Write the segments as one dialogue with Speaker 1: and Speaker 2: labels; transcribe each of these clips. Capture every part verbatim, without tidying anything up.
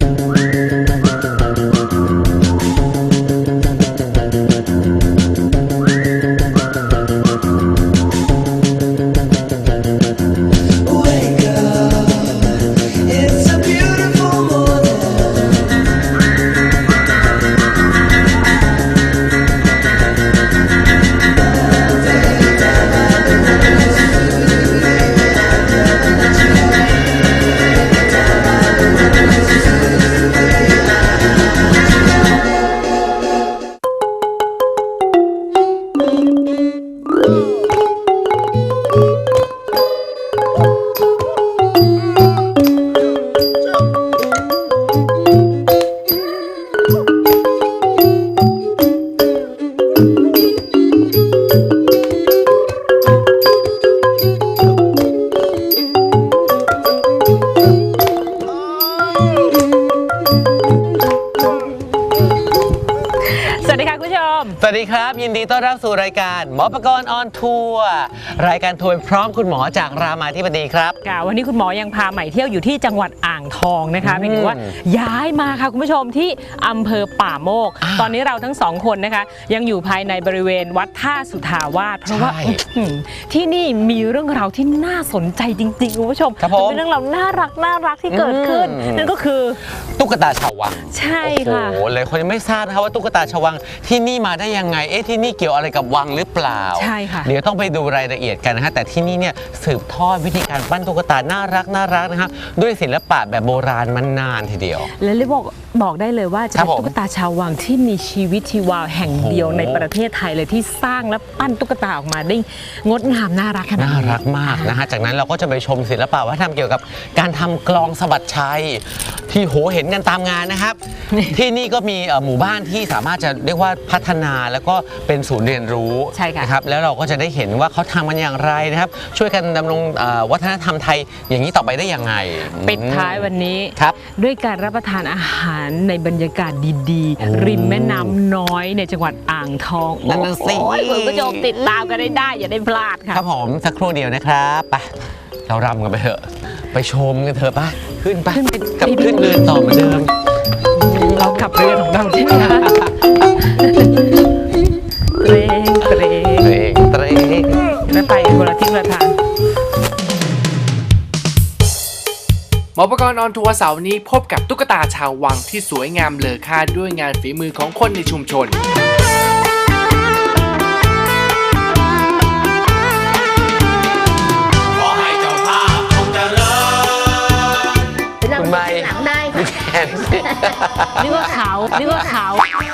Speaker 1: สวัสดีครับยินดีต้อนรับสู่รายการหมอประกรณ์ออนทัวร์รายการทัวร์พร้อมคุณหมอจากรามาธิบดีครับ
Speaker 2: ค่ะวันนี้คุณหมอยังพาใหม่เที่ยวอยู่ที่จังหวัดอ่างทองนะคะเพียงแต่ว่าย้ายมาค่ะคุณผู้ชมที่อำเภอป่าโมกตอนนี้เราทั้งสองคนนะคะยังอยู่ภายในบริเวณวัดท่าสุทาวาสเพราะว่าที่นี่มีเรื่องราวที่น่าสนใจจริงๆคุณผู้ชมเป็นเรื่องราวน่ารักน่ารักที่เกิดขึ้นนั่นก็คือ
Speaker 1: ตุ๊กตาชาววัง
Speaker 2: ใช่ค่ะ
Speaker 1: โอ้โหเลยคนยังไม่ทราบนะคะว่าตุ๊กตาชาววังที่นี่มาได้ยังไงเอ๊ะที่นี่เกี่ยวอะไรกับวังหรือเปล่า
Speaker 2: ใช่ค่ะ
Speaker 1: เดี๋ยวต้องไปดูรายละเอียดกันนะฮะแต่ที่นี่เนี่ยสืบทอดวิธีการปั้นตุ๊กตาน่ารักน่ารักนะครับด้วยศิลปะแบบโบราณมานานทีเดียว
Speaker 2: และเรียกบอกบอกได้เลยว่าจะเป็นตุ๊กตาชาววังที่มีชีวิตชีวาแห่งเดียวในประเทศไทยเลยที่สร้างและปั้นตุ๊กตาออกมาได้งดงามน่ารักขนาดนี้
Speaker 1: น่ารักมากนะฮะจากนั้นเราก็จะไปชมศิลปะวัฒนธรรมเกี่ยวกับการทำกลองสะบัดชัยที่โหเห็นกันตามงานนะครับ ที่นี่ก็มีหมู่บ้านที่สามารถจะเรียกว่าพัฒนาแล้วก็เป็นศูนย์เรียนรู้นะครับแล้วเราก็จะได้เห็นว่าเขาทำมันอย่างไรนะครับช่วยกันดำรงวัฒนธรรมไทยอย่างนี้ต่อไปได้ยังไง
Speaker 2: ปิดท้ายวันนี้
Speaker 1: ครับ
Speaker 2: ด้วยการรับประทานอาหารในบรรยากาศดีๆริมแม่น้ำน้อยในจังหวัดอ่างทอง
Speaker 1: นั่นสิ
Speaker 2: คุณผู้ชมติดตามกันได้ได้อย่าได้พลาดค่ะ
Speaker 1: ครับผมสักครู่เดียวนะครับไปเรารำกันไปเถอะไปชมกันเถอะป่ะขึ้นป่ะกับขึ้นเรือนต่อเหมือนเดิม
Speaker 2: เราขับเรือของเราใช่ไหมคะเตรงเตรง
Speaker 1: เตรงเตรง
Speaker 2: ไม่ไปคนละทิศละทาง
Speaker 3: หมอประกรณ์ออนทัวร์เสาร์นี้พบกับตุ๊กตาชาววังที่สวยงามเลอค่าด้วยงานฝีมือของคนในชุมชน
Speaker 1: ขอให้เจ้าภาพคงเจริญคุณไม่
Speaker 4: หลังได้
Speaker 1: แขน
Speaker 2: นี่ว่าเขานี่ว่าเขา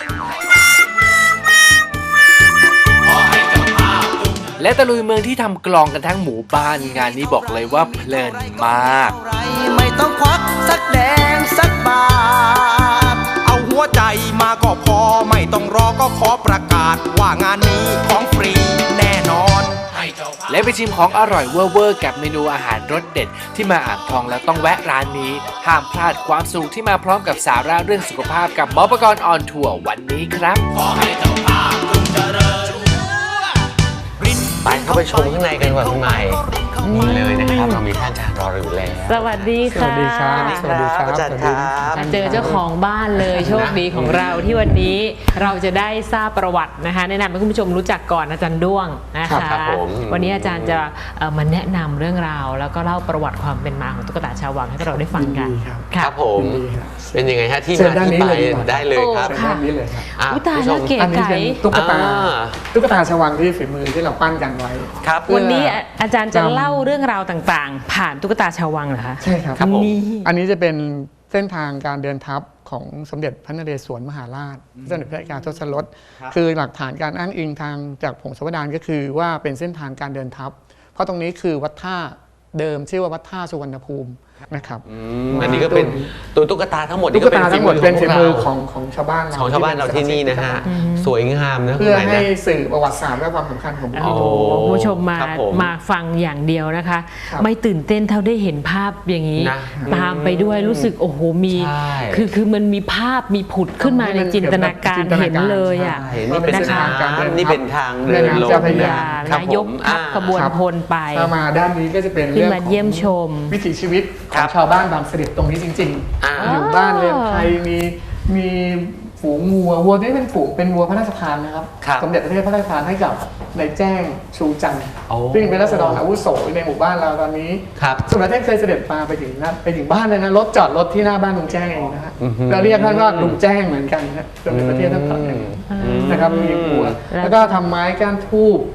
Speaker 3: และตะลุยเมืองที่ทำกลองกันทั้งหมู่บ้านงานนี้บอกเลยว่าเพลินมาก
Speaker 5: ไม่ต้องควักสักแดงสักบาทเอาหัวใจมาก็พอไม่ต้องรอก็ขอประกาศว่างานนี้ของฟรีแน่นอน
Speaker 3: และไปชิมของอร่อยเวอร์ๆกับเมนูอาหารรสเด็ดที่มาอ่างทองแล้วต้องแวะร้านนี้ห้ามพลาดความสุขที่มาพร้อมกับสาระเรื่องสุขภาพกับหมอประกรณ์ออนทัวร์วันนี้ครับ
Speaker 5: ขอให้เจ้าภาพจงเจริญ
Speaker 1: ไปเข้าไปชมข้างในกันก่อนคุณใหม่นี่เลยนะครับเรามีท่านอาจารย์รออยู่แล้ว
Speaker 2: สวัสดีค่ะ
Speaker 6: สวัสดีครับ
Speaker 1: สวัสดีครับอาจารย์ครับ
Speaker 2: เจอเจ้าของบ้านเลยโชคดีของเราที่วันนี้เราจะได้ทราบประวัตินะคะแนะนำให้คุณผู้ชมรู้จักก่อนอาจารย์ด้วงนะคะวันนี้อาจารย์จะมาแนะนำเรื่องราวแล้วก็เล่าประวัติความเป็นมาของตุ๊กตาชาววังให้เราได้ฟังกัน
Speaker 1: ครับผมเป็นยังไงฮะที่มาที่ไปได้เลยครับ
Speaker 6: ด้านนี้เลยครับ
Speaker 2: อุ้ยตายแล้วเก๋ไก่
Speaker 6: ตุ๊กตาตุ๊กตาชาววังที่ฝีมือที่เราปั้นกันไว้
Speaker 1: ครับ
Speaker 2: วันนี้อาจารย์จะเล่าเรื่องราวต่างๆผ่านตุ๊กตาชาววังเหรอคะ
Speaker 6: ใช่ครับนี่อันนี้จะเป็นเส้นทางการเดินทัพของสมเด็จพระนเรศวรมหาราชสมเด็จพระเอกาทศรสคือหลักฐานการอ้างอิงทางจากผงศาวดารก็คือว่าเป็นเส้นทางการเดินทัพเพราะตรงนี้คือวัดท่าเดิมชื่อว่าวัดท่าสุวรรณภูมินะครับ
Speaker 1: อันนี้ก็เป็นตัวตุ๊กตาทั้งหมด
Speaker 6: ตุ๊กตาทั้งหมดเป็นฝีมือของของชาวบ้าน
Speaker 1: ของชาวบ้านเราที่นี่นะฮะสวยงามนะ
Speaker 6: เพื่อให้สื่อประวัติศาสตร์และความสำคัญของ
Speaker 2: โอ้คุณผู้ชมมามาฟังอย่างเดียวนะคะไม่ตื่นเต้นเท่าได้เห็นภาพอย่างนี้ตามไปด้วยรู้สึกโอ้โหมีคือคือมันมีภาพมีผุดขึ้นมาในจินตนาการเห็นเลยอ่ะ
Speaker 1: นี่เป็นทางนี่เป็นทางเดินลง
Speaker 2: นายกทัพขบวนพลไป
Speaker 6: มาด้านนี้ก็จะเป็น
Speaker 2: เรื่องของเยี่ยมชม
Speaker 6: วิถีชีวิตข
Speaker 1: ครั
Speaker 6: อบ งชาวบ้านบางเสด็จตรงนี้จริง
Speaker 1: อ่า
Speaker 6: ๆอยู่บ้านเรือนไทยมีมีฝูงวัววัวที่เป็นฝูงเป็นวัวพระราชทานนะครับ
Speaker 1: ครับ
Speaker 6: สมเด็จพระเทพพระราชทานให้กับนายแจ้งชูจันทร์
Speaker 1: โอ้
Speaker 6: ซึ่งเป็นราษฎรอาวุโสในหมู่บ้านเราตอนนี้
Speaker 1: ครับ
Speaker 6: สมเด็จพระเทพเคยเสด็จมาไปถึงนะไปถึงบ้านเลยนะรถจอดรถที่หน้าบ้านลุงแจ้งเองนะฮะ
Speaker 1: อือฮึ
Speaker 6: เราเรียกท่านว่าลุงแจ้งเหมือนกันนะสมเด็จพระเทพท่านตรัสอย่างนี้
Speaker 1: อืม
Speaker 6: นะครับมีวัวแล้วก็ทำไม้ก้านทูบ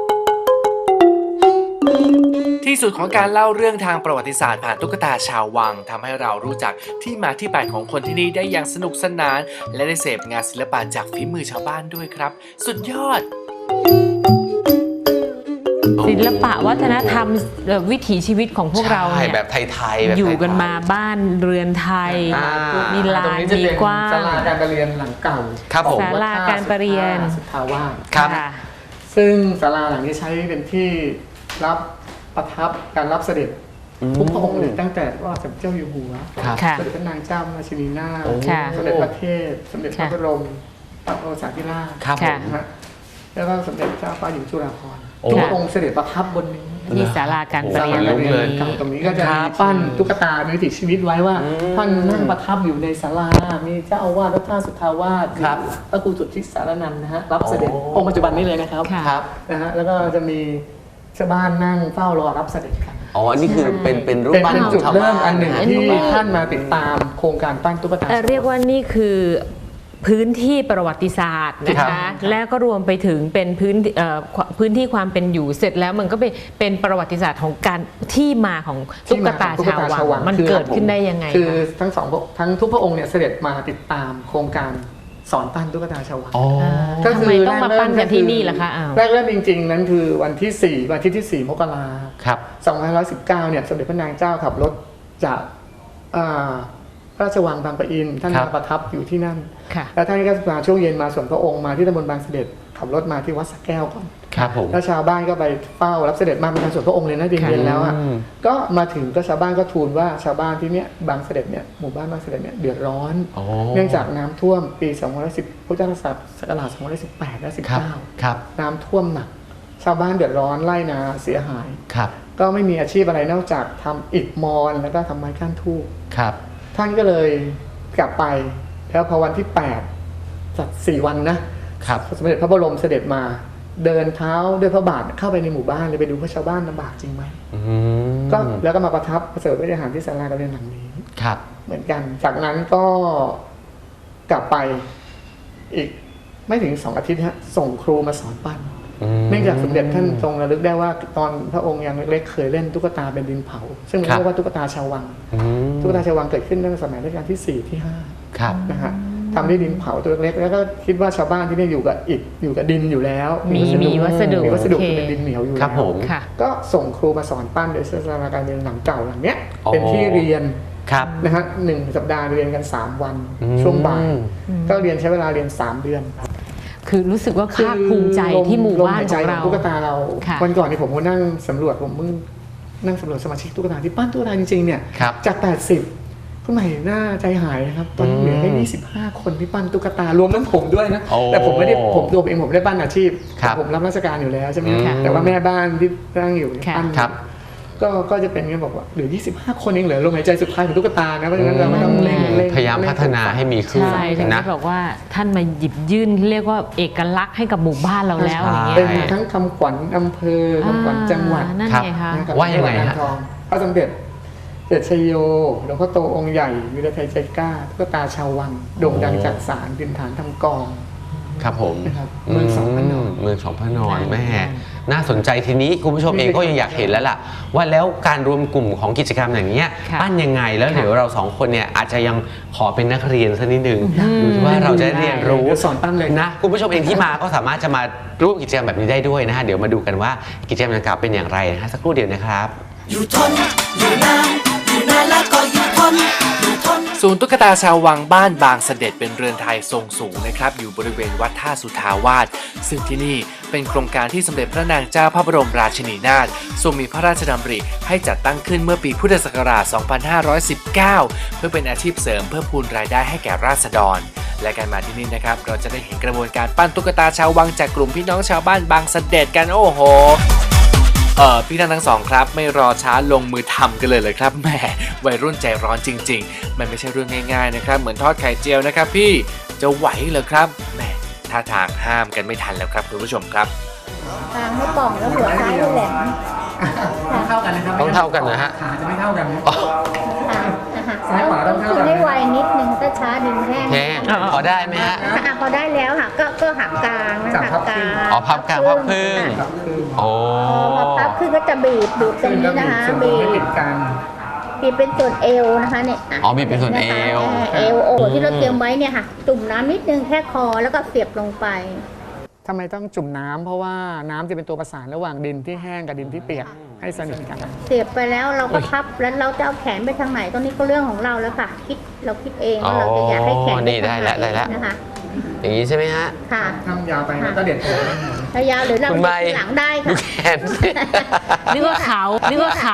Speaker 3: ที่สุดของการเล่าเรื่องทางประวัติศาสตร์ผ่านตุ๊กตาชาววังทำให้เรารู้จักที่มาที่ไปของคนที่นี่ได้อย่างสนุกสนาน และได้เสพงานศิลปะจากฝีมือชาวบ้านด้วยครับ สุดยอด
Speaker 2: ศิลปะวัฒนธรรมเอ่อวิถีชีวิตของพวกเรา
Speaker 1: ใช่
Speaker 2: เนี่ย
Speaker 1: แบบไทยๆแบบ
Speaker 2: อยู่กัน
Speaker 1: ไทๆ
Speaker 2: มาบ้านเรือนไทย
Speaker 1: อ่า
Speaker 2: มีลา
Speaker 6: ตรง
Speaker 2: น
Speaker 6: นี้จะ
Speaker 2: มี
Speaker 6: เป็น
Speaker 2: กว้าง
Speaker 6: ศาลาการประเรียนหลังเก่า
Speaker 1: ครับผม
Speaker 2: ศาลาการประเรียน
Speaker 6: สุทธาวาส
Speaker 1: ครับ
Speaker 2: ค่ะ
Speaker 6: ซึ่งศาลาหลังนี้ใช้เป็นที่รับประทับการรับเสด็จทุกพระองค์เลยตั้งแต่ว่าสมเด็จเจ้าอยู่หัว
Speaker 1: ครับ
Speaker 2: ค่ะ
Speaker 6: สมเด็จพระนางเจ้าราชินีนาถ
Speaker 2: ค่ะ
Speaker 6: สมเด็จพระเทพสมเด็จพระ
Speaker 2: ค่ะ
Speaker 6: บรมพระโอษาธิราช
Speaker 1: ครับผม
Speaker 6: นะฮะแล้วก็สมเด็จเจ้าฟ้าหญิงจุฬาภรณ์
Speaker 1: โอ้
Speaker 6: ทุกพระองค์เสด็จประทับบนนี้
Speaker 2: ที่ศาลาการประเรียน
Speaker 1: ศาลาการประเรียน
Speaker 2: นี้
Speaker 6: เก่าตรงนี้ก็จะ
Speaker 1: ครั
Speaker 6: มี
Speaker 1: บ
Speaker 6: ปั้นตุ๊กตาในวิถีชีวิตไว้ว่า
Speaker 1: อืม
Speaker 6: ท่านนั่งประทับอยู่ในศาลา มีเจ้าอาวาสวัดท่าสุทธาวาส
Speaker 1: ครับ
Speaker 6: พระครูสุทธิสารนันท์นะฮะรับเสด็จ
Speaker 1: โอ้
Speaker 6: องค์ปัจจุบันนี้เลยนะครับ
Speaker 2: ค่ะ
Speaker 1: ครับ
Speaker 6: นะฮะแล้วก็จะมีชาวบ้านนั่งเฝ้ารอรับเสด็จกัน
Speaker 1: อ๋ออันนี้คือเป็นเป็นรูป
Speaker 6: เป็น
Speaker 1: ปั้น
Speaker 6: เป็น
Speaker 1: ของ
Speaker 6: จุด
Speaker 1: ชาว
Speaker 6: เริ่
Speaker 1: บ้าม
Speaker 6: อันหนึ่ง
Speaker 1: ะ
Speaker 6: ที่
Speaker 1: ชวบ้
Speaker 6: ท่านมาติดตามโครงการปั้นตุ๊กตา
Speaker 2: เอ่อเรียกว่านี่คือพื้นที่ประวัติศาสตร์นะ
Speaker 1: ครั
Speaker 2: คะ
Speaker 1: บ
Speaker 2: แล้วก็รวมไปถึงเป็นพื้นเอ่อพื้นที่ความเป็นอยู่เสร็จแล้วมันก็เป็นเป็นประวัติศาสตร์ของการที่มาของตุ๊กตาชาววังมันเกิดขึ้นได้ยังไง
Speaker 6: คือ
Speaker 2: คะ
Speaker 6: ทั้งสองพระทั้งทุกพระองค์เนี่ยเสด็จมาติดตามโครงการสอนปั้นตุ๊กตาชาววัง
Speaker 1: อ๋อ
Speaker 6: ก็
Speaker 2: ทำไมต้องมาปั้นกันที่นี่ล่ะคะอ้าว
Speaker 6: แรกเริ่มจริงๆ นั้นคือวันที่สี่วันที่ที่สี่มกรา
Speaker 1: ครับ
Speaker 6: สองพันห้าร้อยสิบเก้าเนี่ยสมเด็จพระนางเจ้าขับรถจากอ่าพระราชวังบางปะอินท่าน
Speaker 1: ครับ
Speaker 6: มาประทับอยู่ที่นั่น
Speaker 2: ค่ะ
Speaker 6: แล้วท่านก็มาช่วงเย็นมาส่วนพระองค์มาที่ตำบลบางเสด็จขับรถมาที่วัดสระแก้วก่อน
Speaker 1: ครับผม
Speaker 6: แล้วชาวบ้านก็ไปเฝ้ารับเสด็จมาเป็นการส่วนพระองค์เลยนะเย็นๆแล้วอ่ะ
Speaker 1: อืม
Speaker 6: ก็มาถึงก็ชาวบ้านก็ทูลว่าชาวบ้านที่เนี้ยบางเสด็จเนี่ยหมู่บ้านบางเสด็จเนี่ยเดือดร้อน
Speaker 1: อ๋อ
Speaker 6: เนื่องจากน้ำท่วมปีสองพันสิบพุทธศักราชสองพันสิบแปดและ
Speaker 1: ครับ
Speaker 6: สิบเก้า
Speaker 1: ครับ
Speaker 6: น้ำท่วมหนัก ชาวบ้านเดือดร้อนไร่นาเสียหาย
Speaker 1: ครับ
Speaker 6: ก็ไม่มีอาชีพอะไรนอกจากทำอิฐมอญแล้วก็ทำไม้ก้านทูบ
Speaker 1: ครับ
Speaker 6: ท่านก็เลยกลับไป แล้วพอวันที่แปดจัดสี่วันนะครับ สมเด็จพระบรมเสด็จมา เดินเท้าด้วยพระบาทเข้าไปในหมู่บ้านเลยไปดูว่าชาวบ้านลำบากจริงไหม
Speaker 1: อืม
Speaker 6: ก็แล้วก็มาประทับประเสริฐวิทยาหารที่ศาลาการเรียนหลังนี้
Speaker 1: ครับ
Speaker 6: เหมือนกัน จากนั้นก็กลับไปอีกไม่ถึงสองอาทิตย์ฮะส่งครูมาสอนปั้น
Speaker 1: อืม
Speaker 6: เนื่องจากสมเด็จท่านทรงระลึกได้ว่าตอนพระองค์ยังเล็กๆเคยเล่นตุ๊กตาเป็นดินเผา ซึ่ง
Speaker 1: ครับ
Speaker 6: เรียกว่าตุ๊กตาชาววัง
Speaker 1: อืม
Speaker 6: ตุ๊กตาชาววังเกิดขึ้นตั้งแต่สมัยรัชกาลที่สี่ที่ห้า
Speaker 1: ครับ
Speaker 6: นะฮะทำด้วยดินเผาตัวเล็กๆแล้วก็คิดว่าชาวบ้านที่นี่อยู่กับอิฐอยู่กับดินอยู่แล้ว
Speaker 2: มีมีวัสดุ
Speaker 6: มีวัสดุ
Speaker 2: โอเค
Speaker 6: เป็นดินเหนียวอยู่
Speaker 1: ครับ
Speaker 6: แล้ว
Speaker 1: ผม
Speaker 2: ค่ะ
Speaker 6: ก็ส่งครูมาสอนปั้นโดยศาลาการเรียนหลังเก่าหลังเนี้ย
Speaker 1: อ๋อ
Speaker 6: เป็นที่เรียน
Speaker 1: ครับ
Speaker 6: นะฮะหนึ่งสัปดาห์เรียนกัน สาม วัน
Speaker 1: อืม
Speaker 6: ช่วงบ่าย ก็เรียนใช้เวลาเรียน สาม เดือนครับ
Speaker 2: คือรู้สึกว่าภาคภูมิใจที่หมู่บ้านของเรา
Speaker 6: ลมหยใจตุ๊กตาเรา
Speaker 2: ค่ะ
Speaker 6: วันก่อนนี่ผมก็นั่งสำรวจผมเพิ่งนั่งสำรวจสมาชิกตุ๊กตาที่ปั้นตุ๊กตาจริงๆเนี่ย
Speaker 1: ครับ
Speaker 6: จาก แปดสิบคุณใหม่น่าใจหายนะครับตอนนี้เหลือแค่ยี่สิบห้าคนที่ปั้นตุ๊กตารวมทั้งผมด้วยนะ
Speaker 1: โอ้
Speaker 6: แต่ผมไม่ได้ผมตัวผมเองผมไม่ได้ปั้นอาชีพ
Speaker 1: ครับ
Speaker 6: ผมรับราชการอยู่แล้วใช่ไหม
Speaker 1: ค่ะ
Speaker 6: แต่ว่าแม่บ้านที่นั่งอยู่เนี่ย
Speaker 2: ค่ะ
Speaker 6: ปั้น
Speaker 1: ครับ
Speaker 6: ก็ก็จะเป็นเงี้ยบอกว่าเหลือยี่สิบห้าคนเองเหลือลมหายใจสุดท้ายของตุ๊กตานะเพราะฉะนั้นเราก็ต้องเร่งเร่ง
Speaker 1: พยายามพัฒนาให้มีขึ้น
Speaker 2: ใช่ถึง
Speaker 1: นะ
Speaker 2: ได้บอกว่าท่านมาหยิบยื่นเรียกว่าเอกลักษณ์ให้กับหมู่บ้านเราแล้วอย่างเงี้ย
Speaker 6: เป็นทั้งคำขวัญอำเภอคำขวัญจังหวัด
Speaker 2: อ่านั่น
Speaker 1: ครับ
Speaker 2: ไงคะ
Speaker 6: นะครับ
Speaker 1: ว่ายังไงฮะ
Speaker 6: จัหวัดอ่างทองพระสมเด็จเด็จชัยโยหลวงพ่อโตองค์ใหญ่วิรไทยใจกล้าตุ๊กตาชาววังโด่งดังจากสารดินฐานทำกอง
Speaker 1: ครับผม
Speaker 6: นะครับเมืองสองพระนอน
Speaker 1: เมืองสองพระนอน
Speaker 2: ใช่
Speaker 1: แม่น่าสนใจทีนี้คุณผู้ชมเองก็ยังอยากเห็นแล้วล่ะ ว่าแล้วการรวมกลุ่มของกิจกรรมอย่างเนี้ย
Speaker 2: ค่ะ
Speaker 1: ปั้นยังไงแล้ว
Speaker 2: ค่ะ
Speaker 1: เดี๋ยวเราสองคนเนี่ยอาจจะยังขอเป็นนักเรียนสักนิดหนึ่งดูว่าเราจะได้เรียนรู้
Speaker 6: เดี๋ยวสอนปั้นเลย
Speaker 1: นะคุณผู้ชมเองที่มาก็สามารถจะมาร่วมกิจกรรมแบบนี้ได้ด้วยนะฮะเดี๋ยวมาดูกันว่ากิจกรรมดังกล่าวเป็นอย่างไรนะฮะสักครู่เดียวนะครับ
Speaker 4: อยู่ทน อยู่นาน อยู่นานแล้วก็อยู่ทน อยู่ทน
Speaker 3: ศูนย์ตุ๊กตาชาววังบ้านบางเสด็จเป็นเรือนไทยทรงสูงนะครับอยู่บริเวณวัดท่าสุทาวาสซึ่งที่นี่เป็นโครงการที่สมเด็จพระนางเจ้าพระบรมราชินีนาถทรงมีพระราชดำริให้จัดตั้งขึ้นเมื่อปีพุทธศักราช สองพันห้าร้อยสิบเก้า เพื่อเป็นอาชีพเสริมเพื่อพูนรายได้ให้แก่ราษฎร และการมาที่นี่นะครับเราจะได้เห็นกระบวนการปั้นตุ๊กตาชาววังจากกลุ่มพี่น้องชาวบ้านบางเสด็จกันโอ้โหเออพี่ทั้งทั้งสองครับไม่รอช้าลงมือทำกันเลยเลยครับแหมวัยรุ่นใจร้อนจริงๆมันไม่ใช่เรื่องง่ายๆนะครับเหมือนทอดไข่เจียวนะครับพี่จะไหวเหรอครับแหมท่าทางห้ามกันไม่ทันแล้วครับคุณผู้ชมครับ
Speaker 7: ทางให้ป่องแล้วหัวซ้ายให้แหลม
Speaker 6: เท่ากันนะครับ
Speaker 1: ต้องเท่ากันนะฮะ
Speaker 6: ขาจะไม่เท่ากันนะ
Speaker 1: อ๋อ
Speaker 7: ค่ะนะคะ
Speaker 6: ซ้ายขวาต้องเท่ากัน
Speaker 7: คือให้ไวนิดนึงถ้าช้าดึงแห้ง
Speaker 1: แห้งพอได้ไหมฮะ
Speaker 7: อ่ะพอได้แล้วค่ะ ก็ก็หักกลางนะ
Speaker 6: จับ
Speaker 7: หัก
Speaker 6: พับ
Speaker 7: ก
Speaker 6: ครึ่
Speaker 7: ลาง ง
Speaker 1: อ๋อพับกลางพับครึ่ง
Speaker 7: ค่ะ
Speaker 1: โอ้
Speaker 7: พอพับขึ้นก็จะบีบบีบตรงนี้นะคะ
Speaker 6: ส่วน
Speaker 7: บี
Speaker 6: ไม่ติ
Speaker 7: บ
Speaker 6: ดกัน
Speaker 7: บีบเป็นส่วนเอวนะคะเนี่ยะ
Speaker 1: อ๋อบีบเป็นส่วนเอว
Speaker 7: นะคะเอวโอ้ที่เราเตรียมไว้เนี่ยค่ะ จุ่มน้ำนิดนึงแค่คอแล้วก็เสียบลงไป
Speaker 6: ทำไมต้องจุ่มน้ำเพราะว่าน้ำจะเป็นตัวประสานระหว่างดินที่แห้งกับดินที่เปียกให้สนิทกัน
Speaker 7: เสียบไปแล้วเราก็พับแล้วเราจะเอาแขนไปทางไหนตรงนี้ก็เรื่องของเราแล้วค่ะ คิดเราคิดเองว่าเราจะอยากให้แขน
Speaker 1: อ๋อ
Speaker 7: ไป
Speaker 1: นี่
Speaker 7: ทางไหน
Speaker 1: ได้ละได้ละ
Speaker 7: นะคะ
Speaker 1: อย่างนี้ใช่ไหมฮะ
Speaker 7: ค่ะ
Speaker 6: ทำยาวไปแล้วก็เด็ดผม
Speaker 7: ถ้ายาวหรือเรา
Speaker 1: คุณใบ
Speaker 7: หลังได้
Speaker 1: ดู
Speaker 7: ค่ะ
Speaker 1: แขนสิ
Speaker 2: นึกว่าเขานึกว่าเขา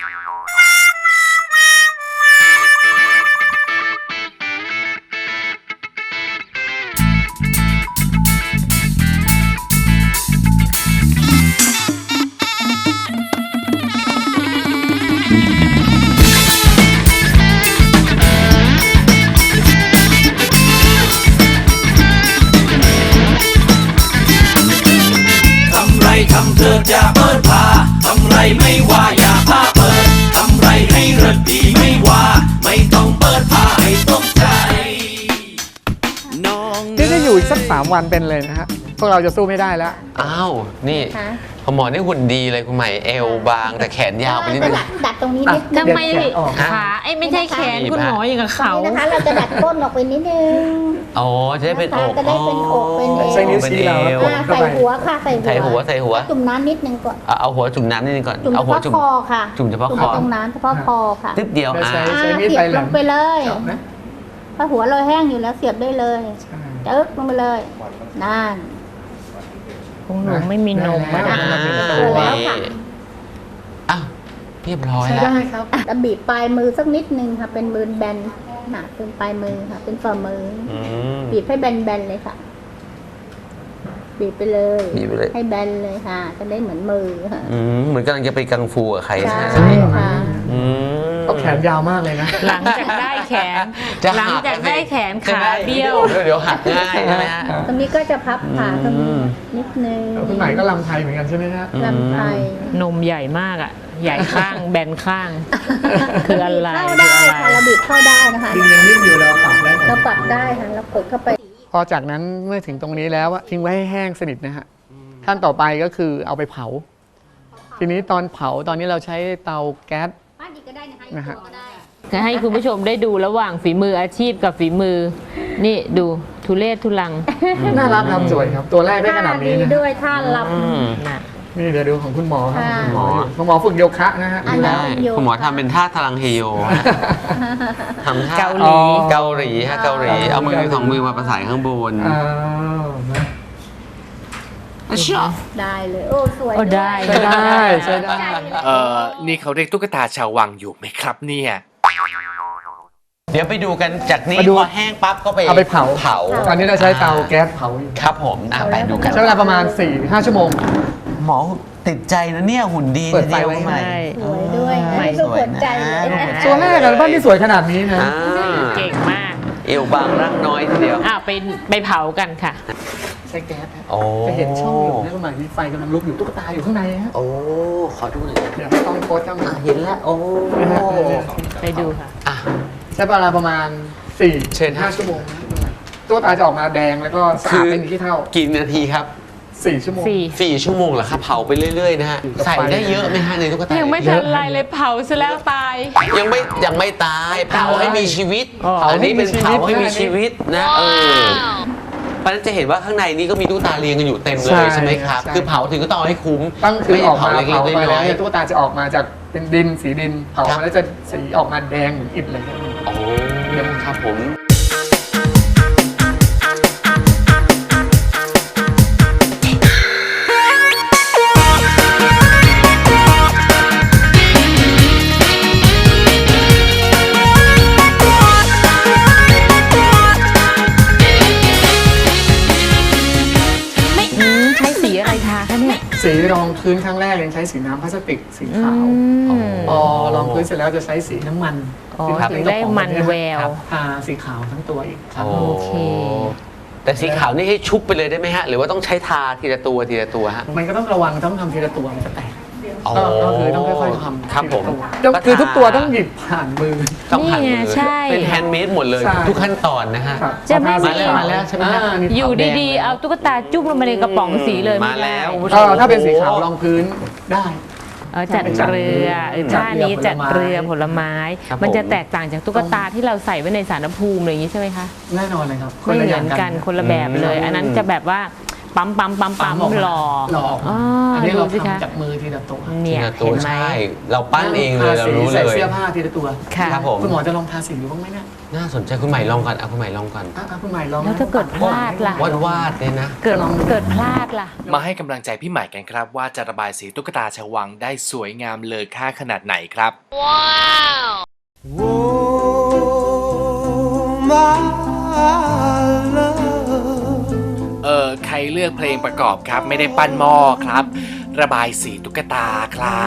Speaker 4: ทำไรทำเถิดอย่าเปิดผ้าทำไรไม่ว่าอย่าผ้าเปิดทำไรให้เริดดีไม่ว่าไม่ต้องเปิดผ้าให้ตกใจน้อง
Speaker 6: นี่จะอยู่อีกสักสามวันเป็นเลยนะฮะพวกเราจะสู้ไม่ได้แล้ว
Speaker 1: อ้าว นี่
Speaker 7: ค่ะ
Speaker 1: คุณหมอนี่หุ่นดีเลยคุณใหม่เอวบางแต่แขนยาวไปนิดนึง
Speaker 7: ดัดดัดตรงนี้นิดนึง
Speaker 2: ทำไม
Speaker 6: เด็ดแขนออก
Speaker 2: ขาไอ้ไม่ใช่แขนคุณหมออย่างกับเขา
Speaker 7: นี่นะคะ เราจะดัดก้นออกไปนิดนึง
Speaker 1: อ๋อจะได้เป็นอก
Speaker 7: จะได้เป็นอกเป็นเอว
Speaker 6: ใช้นิ้วชี้เรา
Speaker 1: เป็นเอว
Speaker 7: อ่าใส่หัวค่ะใส่หัว
Speaker 1: ใส่หัวใส่หัว
Speaker 7: จุ่มน้ำนิดนึงก่อน
Speaker 1: เอาเอาหัวจุ่มน้ำนิดนึงก่อน
Speaker 7: จุ่ม
Speaker 1: เอา
Speaker 7: เฉ
Speaker 1: หัว
Speaker 7: พาะ
Speaker 1: จุ่ม
Speaker 7: คอค่ะ
Speaker 1: จุ่มเฉพาะคอ
Speaker 7: ตรงนั้นเฉพาะคอค่ะ
Speaker 1: นิดเดียว
Speaker 6: ไม่
Speaker 1: อ่ะ
Speaker 6: ใช่
Speaker 7: อ่า
Speaker 6: ใช้มีด
Speaker 7: เสี
Speaker 6: ไป
Speaker 7: ยบ
Speaker 6: แหล
Speaker 7: ล
Speaker 6: ม
Speaker 7: งไปเลย
Speaker 6: จับนะ
Speaker 7: ถ้าหัวเราแห้งอยู่แล้วเสียบได้เลยจึ๊กลงไปเลยนั่น
Speaker 2: ของหนูไม่มีนม
Speaker 6: ได้
Speaker 2: อะ
Speaker 6: แล้ว
Speaker 2: นะ
Speaker 7: เสร็จแล้วค่ะ
Speaker 1: อ้าวเรียบร้อย
Speaker 6: ใช้
Speaker 1: แล้ว
Speaker 6: ได้ครับ
Speaker 7: จะบีบปลายมือสักนิดนึงค่ะ เป็นมือแบนหนาเป็นปลายมือค่ะ เป็นฝ่ามืออ
Speaker 1: อืม
Speaker 7: บีบให้แบนๆเลยค่ะ บีบไปเลย
Speaker 1: บีบไปเลย
Speaker 7: ให้แบนเลยค่ะ จะได้เหมือนมือค่ะ
Speaker 1: อืมเหมือนกำลังจะไปกังฟูกับใคร
Speaker 7: ใช่
Speaker 1: ใช่ไหม
Speaker 7: ค่ะ
Speaker 1: อืม
Speaker 6: ต้องแขนยาวมากเลยนะ
Speaker 2: หลังจากได้แขน
Speaker 1: จะ
Speaker 2: หลัง
Speaker 1: หัก
Speaker 2: จากได้แขน
Speaker 1: ใช่
Speaker 2: ขา
Speaker 1: ไหม
Speaker 2: เบี้ยว
Speaker 1: เดี๋ยวหักง่ายใช่ไหมฮะ
Speaker 7: ตรงนี้ก็จะพับขาตรง
Speaker 1: อื
Speaker 7: นี้
Speaker 1: ม
Speaker 7: นิดนึง
Speaker 6: คุณใหม่ก็ลำไทยเหมือนกันใช่ไหมฮะ
Speaker 7: ลำไส้
Speaker 2: นมใหญ่มากอ่ะ ใหญ่ข้าง แบนข้าง คืออะไร
Speaker 7: เข้า
Speaker 2: คือ
Speaker 7: ได้
Speaker 2: อะไร
Speaker 7: ค่ะเราบีบเข้าได้นะคะ
Speaker 6: ดินยังนิ่มอยู่เราปรับได้หม
Speaker 7: เรา
Speaker 6: ด
Speaker 7: ปรับได้ค่ะเรากดเข้าไป
Speaker 6: พอจากนั้นเมื่อถึงตรงนี้แล้วอะทิ้งไว้ให้แห้งสนิทนะฮะขั้นต่อไปก็คือเอาไปเผา ทีนี้ตอนเผาตอนนี้เราใช้เตาแก๊ส
Speaker 7: บ้านอีกก็ได้นะคะ
Speaker 6: นะฮะ
Speaker 7: ก็ได้
Speaker 2: จะให้คุณผู้ชมได้ดูระหว่างฝีมืออาชีพกับฝีมือ นี่ดูทุเลศทุลัง
Speaker 6: น่ารักครับสวยครับ ตัวแรกได้ขนาดนี้
Speaker 7: ท่
Speaker 6: นะ
Speaker 7: ด้วยท่าลับ
Speaker 1: อืม
Speaker 2: น่ะ
Speaker 6: นี่เดี๋ยวดูของคุณหมอครับ
Speaker 7: ค่ะ
Speaker 6: คุณหมออยู่คุณหมอฝึกโยคะนะฮะ
Speaker 7: อันนั้
Speaker 1: ได้
Speaker 7: นโย
Speaker 1: คุณหมอทำเป็นท่าทารังเฮโยฮะทำท่า
Speaker 2: เกาหลี
Speaker 1: เกาหลีฮะเกาหลี เอามือสองมือมาประสานข้างบน
Speaker 6: อ้าวนะ
Speaker 1: อ่ะเชื่อ
Speaker 7: ได้เลย โอ้สวย
Speaker 2: โอ้ได้
Speaker 6: ใช้ได้ใช้ได้
Speaker 3: เอ่อนี่เขาเรียกตุ๊กตาชาววังอยู่ไหมครับเนี่ย
Speaker 1: เดี๋ยวไปดูกันจากนี้
Speaker 6: มาดู
Speaker 1: พอแห้งปั๊บก็ไป
Speaker 6: เอาไปเผา
Speaker 1: เผา
Speaker 6: ตอนนี้เราใช้เตาแก๊สเผาอยู่
Speaker 1: ครับผมอ่ะไปดูกัน
Speaker 6: ใช้เวลาประมาณ สี่ถึงห้า ชั่วโมง
Speaker 1: หมอติดใจนะเนี่ยหุ่นดี
Speaker 6: เปิดไฟ
Speaker 1: ทียว
Speaker 6: ไว้
Speaker 1: ใหม่
Speaker 2: ใช่
Speaker 7: สวยด้วย
Speaker 1: ใหม่
Speaker 7: ไม่
Speaker 1: สวย
Speaker 7: หัวใจเลย
Speaker 1: นะ
Speaker 6: ตัวแรกกันบ้านที่สวยขนาดนี้นะ
Speaker 1: อ่า
Speaker 2: เก่งมาก
Speaker 1: เอวบางรักน้อยทีเดียว
Speaker 2: อ่ะไปไปเผากันค่ะ
Speaker 6: ใช้แก๊สฮะ
Speaker 1: โอ้
Speaker 6: จะเห็นช่องอยู่นะคุณหมายมีไฟกำลังลุกอยู่ตุ๊กตาอยู่ข้างในฮะ
Speaker 1: โอ้ขอดูหน่อย
Speaker 6: เดี๋ยวให้ต้องโพสต์ข้างใน
Speaker 1: อ่ะเห็นแล้ว โอ้
Speaker 6: นะฮะเนี่ย
Speaker 2: ไปดูค่ะ
Speaker 1: อ่ะ
Speaker 6: ใช้เวลาประมาณสี่
Speaker 1: เชิญ
Speaker 6: ห้าชั่วโมงนะตัวตาจะออกมาแดงแล้วก็สะอาดเป็นที่เท่า
Speaker 1: กี่นาทีครับ
Speaker 6: สี่ชั่วโมง
Speaker 2: สี่
Speaker 1: สี่ชั่วโมงเหรอครับเผาไปเรื่อยๆนะฮะ
Speaker 6: อยู่กับ
Speaker 1: ใส่
Speaker 6: ไฟ
Speaker 1: ได้เยอะไหมฮะในตุ๊กตา
Speaker 2: ยังไม่ทันไรเลยเผาซะแล้วตาย
Speaker 1: ยังไม่ยังไม่ตายเผาให้มีชีวิต
Speaker 2: อ๋อ
Speaker 1: เผานี้เป็น
Speaker 6: เผา
Speaker 1: เผา
Speaker 6: ให้
Speaker 1: ให้
Speaker 6: มี
Speaker 1: มี
Speaker 6: ชี
Speaker 1: ชี
Speaker 6: วิ
Speaker 1: วิ
Speaker 6: ต
Speaker 1: ตนะเออเพราะฉะนั้นจะเห็นว่าข้างในนี้ก็มีตุ๊กตาเรียงกันอยู่เต็มเลยใช่ไหมครับ
Speaker 6: ใช่
Speaker 1: คือเผาถึงก็ต้องเอาให้คุ้ม
Speaker 6: ตั้งคือ
Speaker 1: ไม่
Speaker 6: ออกมา
Speaker 1: เผาเล็
Speaker 6: เผาก
Speaker 1: ๆ
Speaker 6: ไป
Speaker 1: น้
Speaker 6: แล้
Speaker 1: อ
Speaker 6: วย เนี่ยตุ๊กตาจะออกมาจากเป็นดินสีดินเผา
Speaker 1: ครับ
Speaker 6: มาแล้วจะสีออกมาแดงเหมือนอิฐเลยครับ
Speaker 1: ๆโอ้ครับผม
Speaker 2: อืมใช้สีอะไรทาคะเนี่ย
Speaker 6: สีสีรองพื้นครั้งแรกยังใช้สีน้ำพลาสติกสีขาว
Speaker 2: อืม
Speaker 6: พอรองพื้นเสร็จแล้วจะใช้สีน้ำมัน
Speaker 2: อ๋อ
Speaker 6: ที่
Speaker 2: ถึงได้มันแวว
Speaker 6: ครับทาสีขาวทั้งตัวอีกครับ
Speaker 1: โอ้
Speaker 2: โอเค
Speaker 1: แต่สีขาวนี่ให้ชุบไปเลยได้ไหมฮะ หรือว่าต้องใช้ทาทีละตัวทีละตัวฮะ
Speaker 6: มันก็ต้องระวังต้องทำทีละตัวมันจะแตก
Speaker 1: อ๋อ
Speaker 6: ก็ก็คือต้องค่อยๆทำ
Speaker 1: ครับผม
Speaker 6: ทีละตัวต้องคือทุกตัวต้องหยิบผ่านมือ
Speaker 1: ต้องผ่าน
Speaker 2: นี่
Speaker 1: มื
Speaker 2: ไง
Speaker 1: อ
Speaker 2: ใช่
Speaker 1: เป็นแฮนด์เมดหมดเลย
Speaker 6: ใช่
Speaker 1: ทุกขั้นตอนนะฮะ
Speaker 6: ครับ
Speaker 2: จะไม่
Speaker 6: พอท
Speaker 2: มี
Speaker 6: สีมาแล้วใช่ไหมฮะนนี้
Speaker 2: อยู่
Speaker 6: ขาวแดง
Speaker 2: ดีๆ เอาตุ๊กตาจุ่มลงมาในกระป๋องสีเลย
Speaker 1: มา
Speaker 2: ไได้
Speaker 1: แล้วคุณผู้ช
Speaker 6: ก็
Speaker 1: ม
Speaker 6: ถ้าเป็นสีขาวรองพื้นได้
Speaker 2: เออจัดเรือเออ
Speaker 6: จั
Speaker 2: ท่า
Speaker 6: ดเรือ
Speaker 2: นี้จัดเรือผ
Speaker 6: ผ
Speaker 2: ล
Speaker 6: ล
Speaker 2: ไม้
Speaker 6: ไม้
Speaker 1: ครับ
Speaker 2: มันจะ
Speaker 1: ผม
Speaker 2: แตกต่างจากตุ๊กตาที่เราใส่ไว้ในสารภูมิอะไรอย่างนี้ใช่ไหมคะ
Speaker 6: แน่นอนเลยครับ
Speaker 2: ไม่เหมือนกันคนละแบบเลย
Speaker 1: อืม
Speaker 2: อันนั้นจะแบบว่าปั๊มปั๊มปั๊มปั๊ม
Speaker 6: ออกมา
Speaker 2: หล่อ
Speaker 6: หล่อ
Speaker 2: อ๋อ
Speaker 6: อันนี้
Speaker 2: ดู
Speaker 6: เรา
Speaker 2: สิคะ
Speaker 6: ทำจากมือทีละตัว
Speaker 2: เนี่ย
Speaker 1: ทีละตั
Speaker 2: เห็
Speaker 1: วน
Speaker 2: ไหม
Speaker 1: ใช่ เราปั้นเองเลยเรารู้เล
Speaker 6: ใส่
Speaker 1: ย
Speaker 6: เสื้อผ้าทีละตัว
Speaker 2: ค่ะ
Speaker 1: ครับผม
Speaker 6: คุณหมอจะลองทาสีดูบ้างไหมเนี่ย
Speaker 1: น่าสนใจคุณใหม่ลองก่อนเอาคุณใหม่ลองก่อน
Speaker 6: อ่ะอ่ะคุณใหม่ลอง
Speaker 2: แล้วถ้าเกิดพลาดล่ะ
Speaker 1: วาดวาดเลยนะ
Speaker 2: เกิดเกิดพลาดล่ะ
Speaker 3: มาให้กำลังใจพี่ใหม่กันครับว่าจะระบายสีตุ๊กตาชวังได้สวยงามเลอค่าขนาดไหนครับ เออใครเลือกเพลงประกอบครับ ไม่ได้ปั้นหม้อครับ ระบายสีตุ๊กตาครับ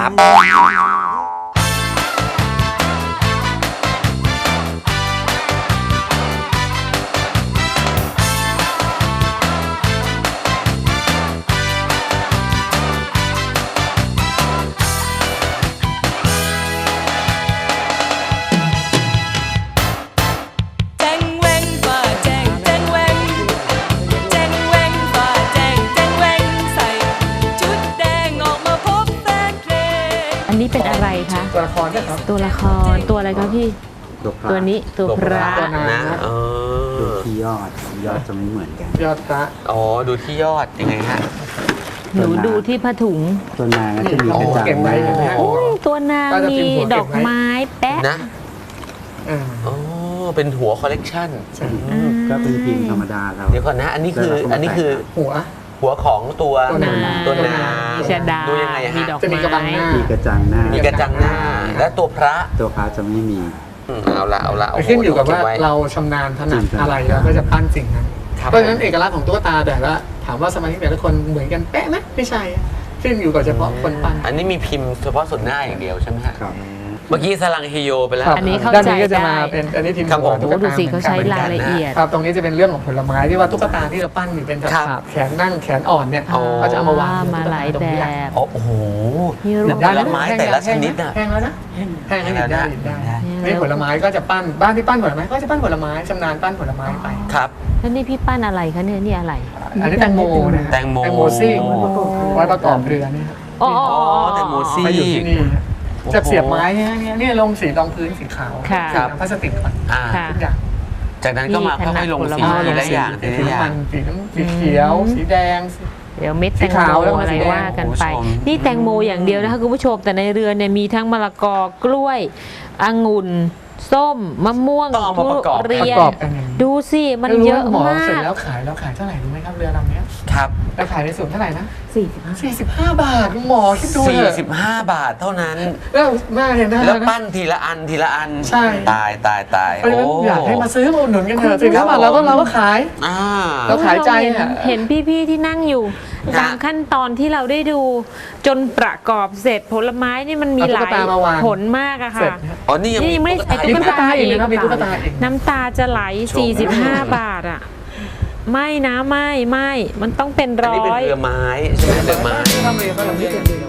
Speaker 8: แจ้งแวงฝ่าแจ้งแจ้งแวงแจ้งแวงฝ่าแจ้งแจ้งแวงใส่ชุดแดงออกมาพบแฟนเพลง
Speaker 2: อันนี้เป็นอะไรคะ
Speaker 6: ตัวละครนะครับ
Speaker 2: ตัวละครตัวอะไรคะพี่ ตัวนี้ตัวพระ
Speaker 6: ตัวนา
Speaker 1: นะเอ
Speaker 9: ดู
Speaker 1: อ
Speaker 9: ที่ยอดยอดจะไม่เหมือนกัน
Speaker 6: ยอดพระ
Speaker 1: อ๋อดูที่ยอดยังไงฮะ
Speaker 2: หนูดูที่ผ้าถุง
Speaker 9: ตัวนางก็จะมีกระจัง
Speaker 6: เก็บ
Speaker 9: ห
Speaker 6: ไว้
Speaker 9: น้า
Speaker 6: เห็นไหมฮะ
Speaker 2: โอ้ยตัวนาง
Speaker 6: ก็จะ
Speaker 2: มี
Speaker 6: พิมพ์หัวเก็บไว้
Speaker 2: ดอกไม้แปะ
Speaker 1: นะ
Speaker 6: อ่า
Speaker 1: อ๋อเป็นหัวคอลเลกชัน
Speaker 2: อืม
Speaker 9: ก็เป็นพิมพ์ธรรมดาเรา
Speaker 1: เดี๋ยวก่อนนะ อันนี้คืออันนี้คือ
Speaker 6: หัว
Speaker 1: หัวของตัว
Speaker 6: ตัวนาง
Speaker 1: ตัวนาง
Speaker 2: มีชดา
Speaker 1: ดูยังไงฮะ
Speaker 2: มีดอก
Speaker 6: จะมีกระบัง
Speaker 2: ไม้
Speaker 6: หน้า
Speaker 9: มีกระจังหน้า
Speaker 1: มีกระจังหน้า และตัวพระ
Speaker 9: ตัวพระจะไม่มี
Speaker 1: อืมเอาละเอาละโโห
Speaker 6: ขึ้นอยู่กับว่า
Speaker 1: เไ
Speaker 6: เราชำนาญถนัด
Speaker 9: จริงๆ
Speaker 6: อะไรเราก็จะปั้นสิ่งนั้น
Speaker 1: ครับ
Speaker 6: เพราะฉะนั้นเอกลักษณ์ของตุ๊กตาแต่ละถามว่าสมาชิกแต่ละคนเหมือนกันเป๊ะไหมไม่ใช่ขึ้นอยู่กับเฉพาะคนปั้น
Speaker 1: อันนี้มีพิมพ์เฉพาะส่วนหน้าอย่างเดียวใช่ไหมฮะ
Speaker 9: ครับ
Speaker 1: เมื่อกี้สลังฮิโยไปแล้ว
Speaker 6: ครับ
Speaker 2: อันนี้เข้า
Speaker 6: ด้าน
Speaker 2: ใจ
Speaker 6: นี้ก็จะมา
Speaker 2: ได้
Speaker 6: เป็นอันนี้ทีม
Speaker 1: ครับผม
Speaker 6: ตุ๊
Speaker 2: โอ้
Speaker 6: ก
Speaker 2: ดู
Speaker 6: ตา
Speaker 2: สิเขาใช้
Speaker 6: หมือนกัน
Speaker 2: รายละเอียด
Speaker 6: ครับตรงนี้จะเป็นเรื่องของผลไม้ที่ว่าตุ๊กตาที่เราปั้นอยู่เป็นแบบ
Speaker 1: ครับ
Speaker 6: แขนนั่งแขนอ่อนเนี่ย
Speaker 1: อ๋อ
Speaker 6: ก็จะเอามาวาง
Speaker 2: มาหลายแบบ
Speaker 1: อ๋อโอ้โห
Speaker 2: มีรูป
Speaker 1: ผลไม้แต่ละชนิดน่ะ
Speaker 6: แห้งแล้วนะแห้งแล้วหยิบได้หยิบได้
Speaker 2: แห้งแล้ว
Speaker 6: นี่ผลไม้ก็จะปั้นบ้านที่ปั้นผลไม้ก็จะปั้นผลไม้ชำนาญปั้นผลไม้ไป
Speaker 1: ครับ
Speaker 2: แล้วนี่พี่ปั้นอะไรคะเนี่ยนี่อะไร
Speaker 6: อันนี้แตงโมนะฮะ
Speaker 1: แตงโม
Speaker 6: แตงโมซิ่ง
Speaker 1: โอ้
Speaker 6: ไว้ประกอบเรือเนี่ยครับ
Speaker 2: อ๋ออ๋ออ๋อ
Speaker 1: แตงโมซี่
Speaker 6: มาอยู่ที่นี่ฮะ
Speaker 1: โอ้โห
Speaker 6: จะเสียบไม้เนี่ยเนี่ยเนี่ยลงสีรองพื้นสีขาว
Speaker 2: ค่ะ
Speaker 6: สีน้ำพลาสติกก่อน
Speaker 1: อ่า
Speaker 2: ค่ะ
Speaker 6: ทุกอย่าง
Speaker 1: จากนั้นก็มา
Speaker 2: นี่
Speaker 1: ค่อยๆลง
Speaker 2: ผล
Speaker 1: สี
Speaker 2: ไม้
Speaker 1: ทีละอย่างที
Speaker 6: สี
Speaker 1: ละอย่า
Speaker 6: น้ำมั
Speaker 1: ง
Speaker 6: นสีน้ำสีเขียว สีแดงสี
Speaker 2: เดี๋ยวเม็ดแตง
Speaker 6: สีขาว
Speaker 2: โม
Speaker 6: แล้วก็
Speaker 2: อะไร
Speaker 6: สีแดง
Speaker 2: ว่ากันไป
Speaker 1: คุณผู้ชม
Speaker 2: นี่แตงโมอย่างเดียวนะคะคุณผู้ชมแต่ในเรือเนี่ยมีทั้งมะละกอกล้วยองุ่นส้มมะม่วง
Speaker 1: ต้องเอามาประกอบ
Speaker 2: ทุเรี
Speaker 6: ป
Speaker 2: ย
Speaker 6: ระ
Speaker 2: น
Speaker 6: กอบกันอย่างนี้
Speaker 2: ดูสิมัน
Speaker 6: แล้วรู้
Speaker 2: เยอะ
Speaker 6: หมอ
Speaker 2: มา
Speaker 6: เสร็จ
Speaker 2: ก
Speaker 6: แล้วขายแล้วขายเท่าไหร่รู้ไหมครับเรือลำเนี้ย
Speaker 1: ครับ
Speaker 6: แล้วขายในส่วนเท่าไหร่นะ
Speaker 2: สี่สิบห้า
Speaker 6: สี่สิบห้าบาทคุณหมอคิดดูเถอะ
Speaker 1: 45 บาทเท่านั้น
Speaker 6: แล้วแม่เห็นได้
Speaker 1: แล้ว
Speaker 6: นะ
Speaker 1: ปั้นทีละอันทีละอัน
Speaker 6: ใช่
Speaker 1: ตายตายตาย
Speaker 6: เพราะฉะนั้นอยากให้มาซื้อมาอุดหนุนกันเถอะสี่สิบห้าบาท
Speaker 1: ครับ
Speaker 6: เราก็เราก็ขาย
Speaker 1: อ่า
Speaker 6: แล้วขายใจ
Speaker 2: เห็น
Speaker 6: เนี่ย
Speaker 2: เห็นพี่ๆที่นั่งอยู่
Speaker 1: ฮะ
Speaker 2: ตามขั้นตอนที่เราได้ดูจนประกอบเสร็จผลไม้นี่มันมีหลายผลมากอะ
Speaker 6: เสร็จ
Speaker 2: ค่ะ
Speaker 6: นะ
Speaker 1: อ๋อนี่ยัง
Speaker 2: นี่ยังไม่ได้ใส่
Speaker 6: มี
Speaker 2: ตุ๊
Speaker 6: ตุ๊กตาอีกนะครับมีตุ๊กตาอีก
Speaker 2: น้ำตาจะไหล สี่สิบห้า บาทอะไม่นะไม่ไม่มันต้องเป็น
Speaker 1: อัน
Speaker 2: ร้
Speaker 1: นี้เป็น
Speaker 2: อย
Speaker 1: เรือไม้ใช่ไหมเรือไม้
Speaker 6: ทำเรือก็เราไม่เป็นเรือ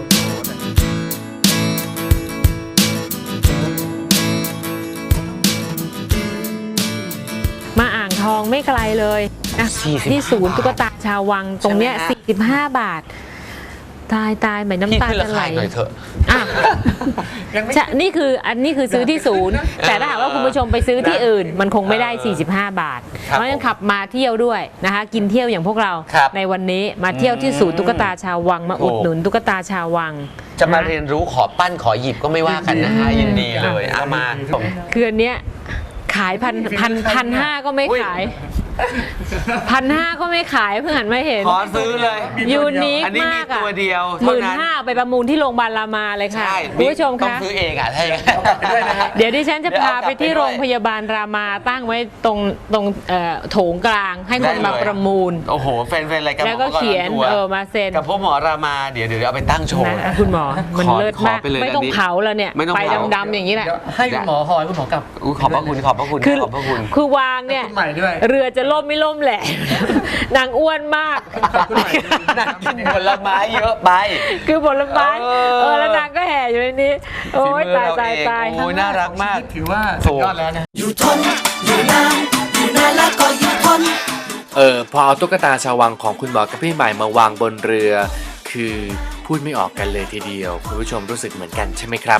Speaker 2: มาอ่างทองไม่ไกลเลยนะ
Speaker 1: สี่สิบห้า
Speaker 2: ที่ศูนย์ตุ๊กตาชาววังตรงเนี้ย
Speaker 1: ใช่ไหมฮะ
Speaker 2: สี่สิบห้า บาท ตายตายเหมือนน้ำ
Speaker 1: พี่
Speaker 2: ตา
Speaker 1: ขึ้นรา
Speaker 2: จะไหล
Speaker 1: คาหน่อยเถอะ
Speaker 2: อ่ะ
Speaker 6: ยังไม่
Speaker 2: ใช่นี่คืออันนี้คือซื้อที่ศูนย์ แต่ถ้าหากว่าคุณผู้ชมไปซื้อที่อื่น มันคงไม่ได้ สี่สิบห้า บาท
Speaker 1: ครับ
Speaker 2: เพราะฉะนั้นขับมาเที่ยวด้วยนะคะ กินเที่ยวอย่างพวกเรา
Speaker 1: ครับ
Speaker 2: ในวันนี้มาเที่ยวที่ศูนย์ตุ๊กตาชาววังมาอุดหนุนตุ๊กตาชาววัง
Speaker 1: จะมา
Speaker 2: ค
Speaker 1: เรียนรู้ขอปั้นขอหยิบก็ไม่ว่ากันนะฮะยินดีเลยเอามา
Speaker 2: คืออันเนี้ยขายพันพันพันห้าก็ไม่
Speaker 1: อุ๊ย
Speaker 2: ขายพันห้าก็ไม่ขายเพิ่งหันมาเห็น
Speaker 1: ขอซื้อเลย
Speaker 2: ยูนิค
Speaker 1: อันนี้มี
Speaker 2: มากอ่ะ
Speaker 1: ตัวเดียว
Speaker 2: ห
Speaker 1: เท่า
Speaker 2: มื่น
Speaker 1: นั้น
Speaker 2: ห้าไปประมูลที่โรงพยาบาลรามาเลยค่ะ
Speaker 1: ใช่
Speaker 2: คุณผู้ชม
Speaker 1: ต้อง
Speaker 2: คะ
Speaker 1: ซื้อเองอ่ะถ้าอย่างนั้น
Speaker 2: เดี๋ยวดิฉันจะพาไปที่
Speaker 1: เดี๋ยว
Speaker 2: โร
Speaker 1: เอากลับไปด้วย
Speaker 2: งพยาบาลรามาตั้งไว้ตรงตรงเอ่อโถงกลางให้คนมาประมูล
Speaker 1: โอ้โหแฟนๆรายการ
Speaker 2: แล้วก็เขียน
Speaker 1: หมอ
Speaker 2: เออมาเซ็น
Speaker 1: กับพวกหมอรามาเดี๋ยวเดี๋ยวเอาไปตั้งโชว์
Speaker 2: นะคุณหมอมัน
Speaker 1: ขอ
Speaker 2: เลิศ
Speaker 1: ขอ
Speaker 2: มาก
Speaker 1: ไปเลย
Speaker 2: ไม่ต้อง
Speaker 1: อันนี้
Speaker 2: เผาแล้วเนี่ย
Speaker 1: ไม่ต้อง
Speaker 2: ไป
Speaker 1: เผา
Speaker 2: ดำๆอย่างนี้แหละ
Speaker 10: ให้คุณหมอหอยคุณหมอกลับ
Speaker 1: อุ๊ยขอบพระคุณขอบพระคุณ
Speaker 2: คือ
Speaker 1: ขอบพระคุณ
Speaker 2: คือวางเนี่ย
Speaker 10: คุณใหม่ด้วย
Speaker 2: เรือจะล่มไม่ล่มแหละ นางอ้วนมาก
Speaker 10: คุณใหม่ด้วย
Speaker 1: นั่งกินผลไม้เยอะไป
Speaker 2: คือผลไม้
Speaker 1: เออ
Speaker 2: เออแล้วนางก็แห่อยู่ในนี้ โอ้ย
Speaker 1: ฝีมือ
Speaker 2: ตาย
Speaker 1: เรา
Speaker 2: ตาย
Speaker 1: เอง
Speaker 2: ตาย
Speaker 1: โอ้ยน่ารักมาก
Speaker 10: ถือว่าสุดยอดแล้วนะ
Speaker 4: อยู่ทน อยู่นาน อยู่นานแล้วก็อยู่ทน
Speaker 3: เออพอเอาตุ๊กตาชาววังของคุณหมอกับพี่ใหม่มาวางบนเรือ คือพูดไม่ออกกันเลยทีเดียว คุณผู้ชมรู้สึกเหมือนกันใช่ไหมครับ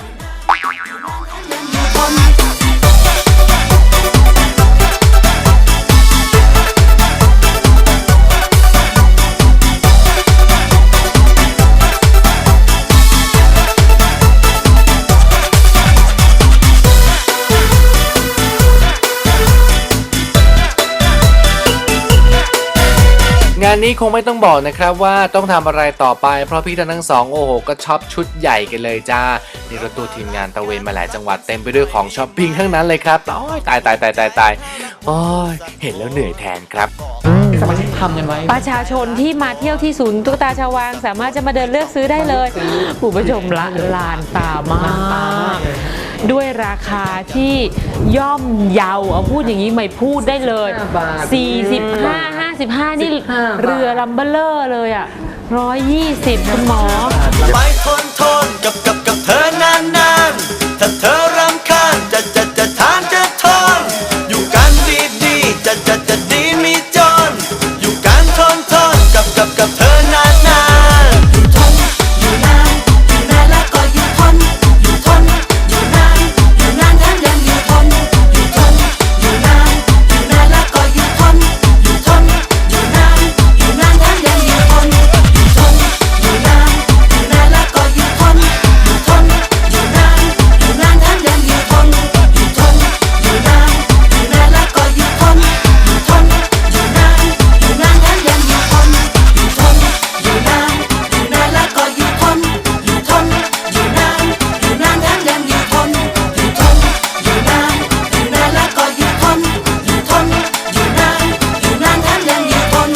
Speaker 3: งานนี้คงไม่ต้องบอกนะครับว่าต้องทำอะไรต่อไปเพราะพี่ทั้งสองโอ้โหก็ช็อปชุดใหญ่กันเลยจ้านี่รถตู้ทีมงานตะเวนมาหลายจังหวัดเต็มไปด้วยของช้อปปิ้งทั้งนั้นเลยครับโอ้ยตายตายตายตายตายโอ้ยเห็นแล้วเหนื่อยแทนครับ
Speaker 10: สมาชิกทำกันไว้
Speaker 2: ประชาชนที่มาเที่ยวที่ศูนย์ตุ๊กตาชาววังสามารถจะมาเดินเลือกซื้อได้เลยผู้ผู้ชมละลานตามาก ด้วยราคาที่ย่อมเยาเอาพูดอย่างนี้ไม่พูดได้เลย สี่สิบห้า ห้าสิบห้า นี่เรือลัมเบลเลอร์เลยอ่ะหนึ่งร้อยยี่สิบคุณหมอ
Speaker 5: ไปทนทนกับกับกับเธอนานนานๆถ้าเธอรำคาญจะจะจะทานจะทนอยู่กันดีดีๆจะจะจะดีมีจนอยู่กันทนทนกับกับกับเธอนานนานๆ
Speaker 4: อยู่ทน อยู่นาน อยู่นานแล้วก็อยู่ทน อยู่ทน อยู่นาน อยู่นานแถมยังอยู่ทน อยู่ทน อยู่นาน อยู่นานแล้วก็อยู่ทน อยู่ทน อยู่นาน อยู่นานแถมยังอยู่ทน อยู่ทน อยู่นาน อยู่นานแล้วก็อยู่ทน อยู่ทน อยู่นาน อยู่นานแถมยังอยู่ทน อยู่ทน อยู่นาน อยู่นานแล้วก็อยู่ทน อยู่ทน อยู่นาน อยู่นานแถมยังอยู่ทน อยู่ทน อยู่นาน อยู่นานแล้วก็อยู่ทน อยู่ทน อยู่นาน อยู่นานแถมยังอยู่ทน อยู่ทน อยู่นาน อยู่นานแล้วก็อยู่ทน อยู่ทน อยู่นาน อยู่นานแถมยังอยู่ทน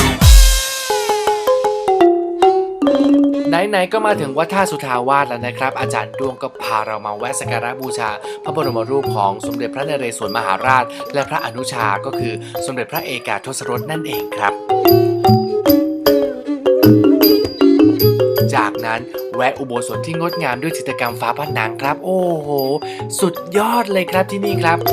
Speaker 3: ไหนๆก็มาถึงวัดท่าสุทาวาสแล้วนะครับ อาจารย์ดวงก็พาเรามาแวะสักการะบูชา พระบรมรูปของสมเด็จพระนเรศวรมหาราช และพระอนุชาก็คือสมเด็จพระเอกาทศรสนั่นเองครับ จากนั้นแวะอุโบสถที่งดงามด้วยจิตรกรรมฝาผนังครับ โอ้โห สุดยอดเลยครับที่นี่ครับ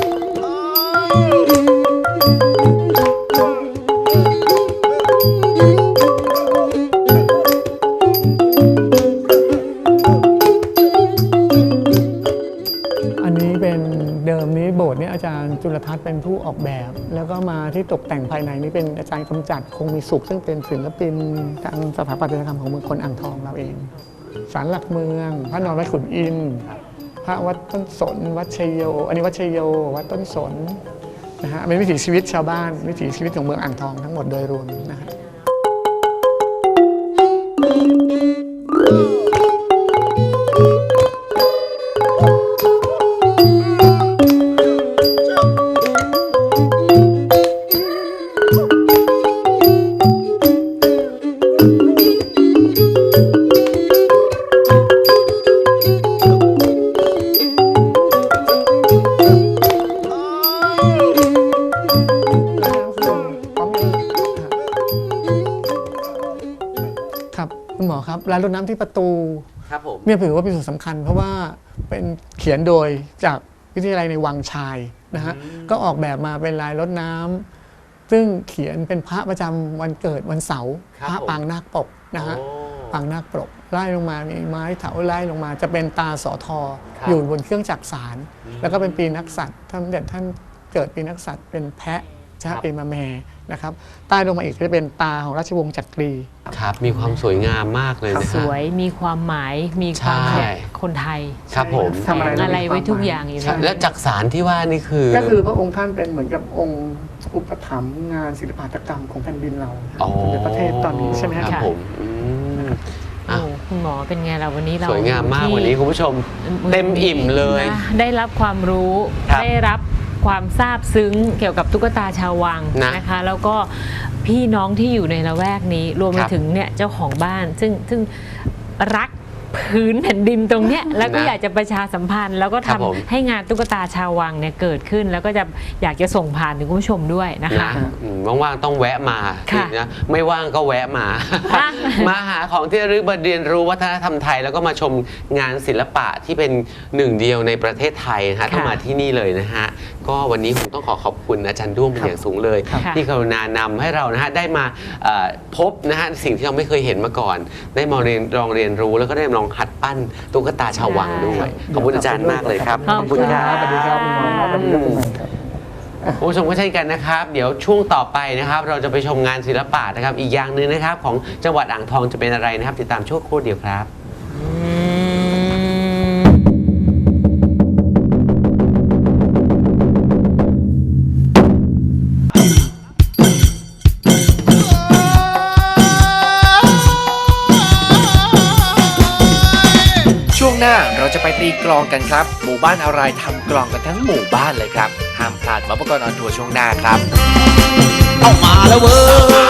Speaker 6: อันนี้เป็นเดิมนี้โบสถ์นี้อาจารย์จุลทัศน์เป็นผู้ออกแบบ แล้วก็มาที่ตกแต่งภายในนี้เป็นอาจารย์กำจัดคงมีสุข ซึ่งเป็นศิลปินทางสถาปัตยกรรมของเมืองคนอ่างทองเราเองศาลหลักเมือง พระนอนวัดขุนอินทร์พระวัดต้นสนวัดชัยโย อันนี้วัดชัยโยวัดต้นสนนะฮะเป็นวิถีชีวิตชาวบ้านวิถีชีวิตของเมืองอ่างทองทั้งหมดโดยรวมนะฮะ ครับคุณหมอครับร้านรดน้ำที่ประตู
Speaker 1: ครับผม
Speaker 6: เนี่ยถือว่าเป็นส่วนสำคัญ เพราะว่าเป็นเขียนโดยจากวิทยาลัยในวังชายนะฮะก็ออกแบบมาเป็นลายรดน้ำซึ่งเขียนเป็นพระประจำวันเกิดวันเสาร์พระปางนาคปกนะฮะปางนาคปกไล่ลงมามีไม้เถาไล่ลงมาจะเป็นตาสอทออยู่บนเครื่องจักรสารแล้วก็เป็นปีนักษัตริย์ท่านเด็ดท่านเกิดปีนักษัตริย์เป็นแพะชาเอมาแมนะครับใต้ลงมาอีกก็จะเป็นตาของราชวงศ์จักรี
Speaker 1: ครับมีความสวยงามมากเลยนะ
Speaker 2: ส
Speaker 1: ฮะ
Speaker 2: วยมีความหมายมีความ
Speaker 1: ใช่
Speaker 2: แบบคนไทย
Speaker 1: ครับผม
Speaker 6: ทำอะไร
Speaker 2: แฝงอะไรไว้ทุกอย่างอยู่
Speaker 6: ใช่
Speaker 2: ใน
Speaker 1: และจักสารที่ว่านี่คือ
Speaker 6: ก็คือพระองค์ท่านเป็นเหมือนกับองค์อุปถัมภ์งานศิลปหัตถกรรมของแผ่นดินเรา
Speaker 1: อ๋อ
Speaker 6: ในประเทศตอนนี้ใช่ไหม
Speaker 1: ค
Speaker 6: ค
Speaker 1: รั
Speaker 6: รั
Speaker 1: บบ ผมอืม
Speaker 2: โอ้คุณหมอเป็นไงเราวันนี้เรา
Speaker 1: สวยงามมาก
Speaker 2: ที่
Speaker 1: วันนี้คุณผู้ชมเต็มอิ่มเลย
Speaker 2: นะได้รับความรู้
Speaker 1: ครับ
Speaker 2: ได้รับความซาบซึ้งเกี่ยวกับตุ๊กตาชาววัง
Speaker 1: นะ
Speaker 2: นะคะ แล้วก็พี่น้องที่อยู่ในละแวกนี้รวมไป
Speaker 1: ครับ
Speaker 2: ถึงเนี่ยเจ้าของบ้านซึ่งซึ่งรักพื้นแผ่นดินตรงเนี้ยแล้วก็
Speaker 1: นะ
Speaker 2: อยากจะประชาสัมพันธ์ แล้วก็
Speaker 1: ครั
Speaker 2: ทำ
Speaker 1: บผม
Speaker 2: ให้งานตุ๊กตาชาววังเนี่ยเกิดขึ้น แล้วก็จะอยากจะส่งผ่านถึงคุณผู้ชมด้วยนะคะ
Speaker 1: นะอืมว่างๆต้องแวะมา
Speaker 2: ค่ะ
Speaker 1: นะไม่ว่างก็แวะมา
Speaker 2: ค่ะ
Speaker 1: มาหาของที่ระลึกมาเรียนรู้วัฒนธรรมไทย แล้วก็มาชมงานศิลปะที่เป็นหนึ่งเดียวในประเทศไทยนะฮะต้องมาที่นี่เลยนะฮะก็วันนี้ผมต้องขอขอบคุณอาจารย์ด้วงเป็นอย่างสูงเลย
Speaker 2: ค่ะ
Speaker 1: ที่กรุณานำให้เรานะฮะได้มาเอ่อพบนะฮะสิ่งที่เราไม่เคยเห็นมาก่อน ได้มาเรียนลองเรียนรู้แล้วก็ได้ลองหัดปั้นตุ๊กตาชาววังด้วยขอบคุณอาจารย์มากเลยครับ
Speaker 2: ขอบคุณค่ะ
Speaker 6: สวัสดีครับคุณหมอครับสวัสดีครับคุณหมอครับ
Speaker 1: คุณผู้ชมก็เช่นกันนะครับ เดี๋ยวช่วงต่อไปนะครับ เราจะไปชมงานศิลปะนะครับ อีกอย่างหนึ่งนะครับ ของจังหวัดอ่างทองจะเป็นอะไรนะครับ ติดตามช่วงครู่เดียวครับ
Speaker 3: ช่วงหน้าเราจะไปตีกลองกันครับ หมู่บ้านอะไรทำกลองกันทั้งหมู่บ้านเลยครับ ห้ามพลาดมาประกอบออนทัวร์ช่วงหน้าครับ
Speaker 4: เอามาแล้วเว้